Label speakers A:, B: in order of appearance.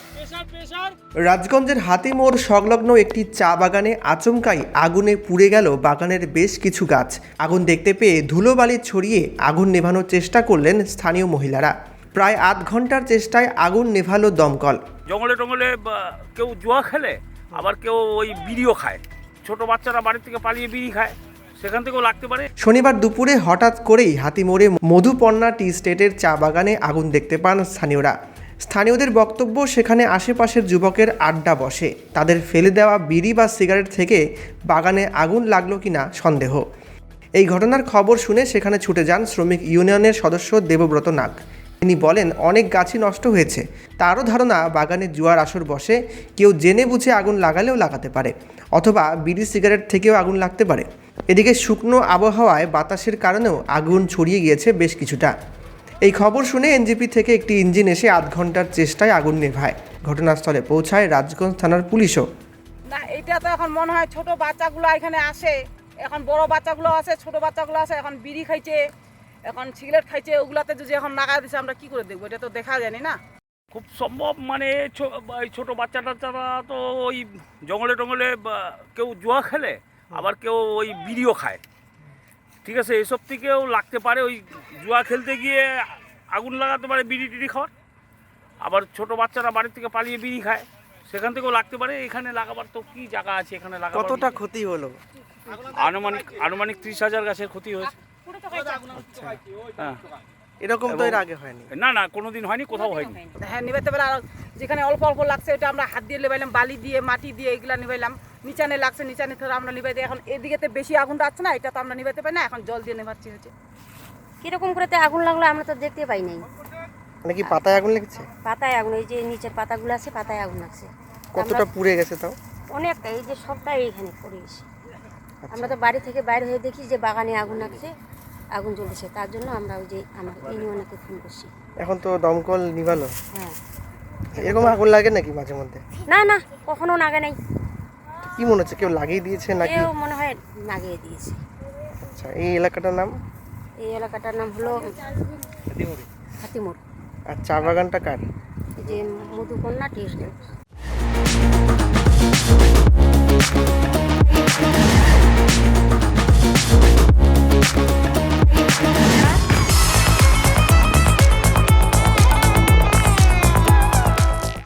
A: রাজগঞ্জের হাতিমোড় সংলগ্ন একটি চা বাগানে আচমকাই আগুনে পুড়ে গেল বাগানের বেশ কিছু গাছ। আগুন দেখতে পেয়ে ধুলোবালি ছড়িয়ে আগুন নেভানোর চেষ্টা করলেন স্থানীয় মহিলারা। প্রায় আধ ঘন্টার চেষ্টায় আগুন নেভালো দমকল।
B: জঙ্গলে টঙ্গলে কেউ জুয়া খেলে, আবার কেউ ওই বিড়িও খায়। ছোট বাচ্চারা বাড়ি থেকে পালিয়ে বিড়ি খায়, সেখান থেকেও লাগতে পারে।
A: শনিবার দুপুরে হঠাৎ করেই হাতিমোড়ে মধুপর্ণা টি স্টেটের চা বাগানে আগুন দেখতে পান স্থানীয়রা। স্থানীয়দের বক্তব্য, সেখানে আশেপাশের যুবকের আড্ডা বসে। তাদের ফেলে দেওয়া বিড়ি বা সিগারেট থেকে বাগানে আগুন লাগলো কিনা সন্দেহ। এই ঘটনার খবর শুনে সেখানে ছুটে যান শ্রমিক ইউনিয়নের সদস্য দেবব্রত নাগ। তিনি বলেন, অনেক গাছই নষ্ট হয়েছে। তারও ধারণা বাগানে জুয়ার আসর বসে, কেউ জেনে বুঝে আগুন লাগালেও লাগাতে পারে, অথবা বিড়ি সিগারেট থেকেও আগুন লাগতে পারে। এদিকে শুকনো আবহাওয়ায় বাতাসের কারণেও আগুন ছড়িয়ে গিয়েছে বেশ কিছুটা। এই খবর শুনে এনজিপি থেকে একটি ইঞ্জিন এসে আধ ঘন্টার চেষ্টায় আগুন নেভায়। ঘটনাস্থলে পৌঁছায় রাজগঞ্জ থানার পুলিশও।
C: না, এটা তো এখন মনে হয় ছোট বাচ্চাগুলো এখানে আসে, এখন বড় বাচ্চাগুলো আছে, ছোট বাচ্চাগুলো আছে, এখন বিড়ি খাইছে, এখন সিগারেট খাইছে, ওগুলাতে যদি এখন নাগা দিছে আমরা কি করে দেখবো? এটা তো দেখা জানি না।
B: খুব সম্ভব মানে ছোট বাচ্চা টাচ্চারা তো ওই জঙ্গলে টঙ্গলে কেউ জুয়া খেলে, আবার কেউ ওই বিড়িও খায়। ঠিক আছে, এসব থেকেও লাগতে পারে। ওই জুয়া খেলতে গিয়ে আগুন লাগাতে পারে বিড়ি টিড়ি খাওয়ার, আবার ছোট বাচ্চারা বাড়ি থেকে পালিয়ে বিড়ি খায়, সেখান থেকেও লাগতে পারে। এখানে লাগাবার তো কি জায়গা আছে এখানে লাগাবার?
A: কতটা ক্ষতি হলো?
B: আনুমানিক 30,000 গাছের ক্ষতি হয়েছে। হ্যাঁ,
A: এরকম তো এর আগে হয়নি।
B: না কোনোদিন হয়নি, কোথাও হয়নি।
C: হ্যাঁ, নিভাইতে পারে। আর যেখানে অল্প অল্প লাগছে ওটা আমরা হাত দিয়ে নিভাইলাম, বালি দিয়ে, মাটি দিয়ে, এগুলা নিভাইলাম। নিচানে লাগছে, নিচানে ধরে আমরা নিভাইতে। এখন এদিকে বেশি আগুন আসছে না, এটা তো আমরা নিভাইতে পারি না, এখন জল দিয়ে নেভাচ্ছি হচ্ছে।
D: কিরকম করে আগুন লাগলো আমরা তো দেখতে পাই নাই।
A: মানে কি পাতায় আগুন লেগেছে?
D: পাতায় আগুন, এই যে নিচের পাতাগুলো আছে, পাতায় আগুন লাগছে।
A: কতটা পুড়ে গেছে তাও?
D: অনেকটা, এই যে সবটাই এইখানে পড়ে গেছে। আমরা তো বাড়ি থেকে বাইরে হয়ে দেখি যে বাগানে আগুন লাগছে, আগুন জ্বলছে। তার জন্য আমরা ওই যে আমার ইউনিয়নকে ফোন করছি।
A: এখন তো দমকল নিভালো।
D: হ্যাঁ,
A: এরকম আগুন লাগে নাকি মাঝে মধ্যে?
D: না কখনো নাগে নাই।
A: কি মনে হচ্ছে, কেউ লাগিয়ে দিয়েছে নাকি?
D: কেউ মনে হয় লাগিয়ে দিয়েছে।
A: আচ্ছা, এই এলাকাটার নাম?
D: এই এলাকাটার নাম হলো হাতিমোড়।
A: আর চা বাগানটা কার?
D: এই যে মধুপর্ণা টি স্টেট।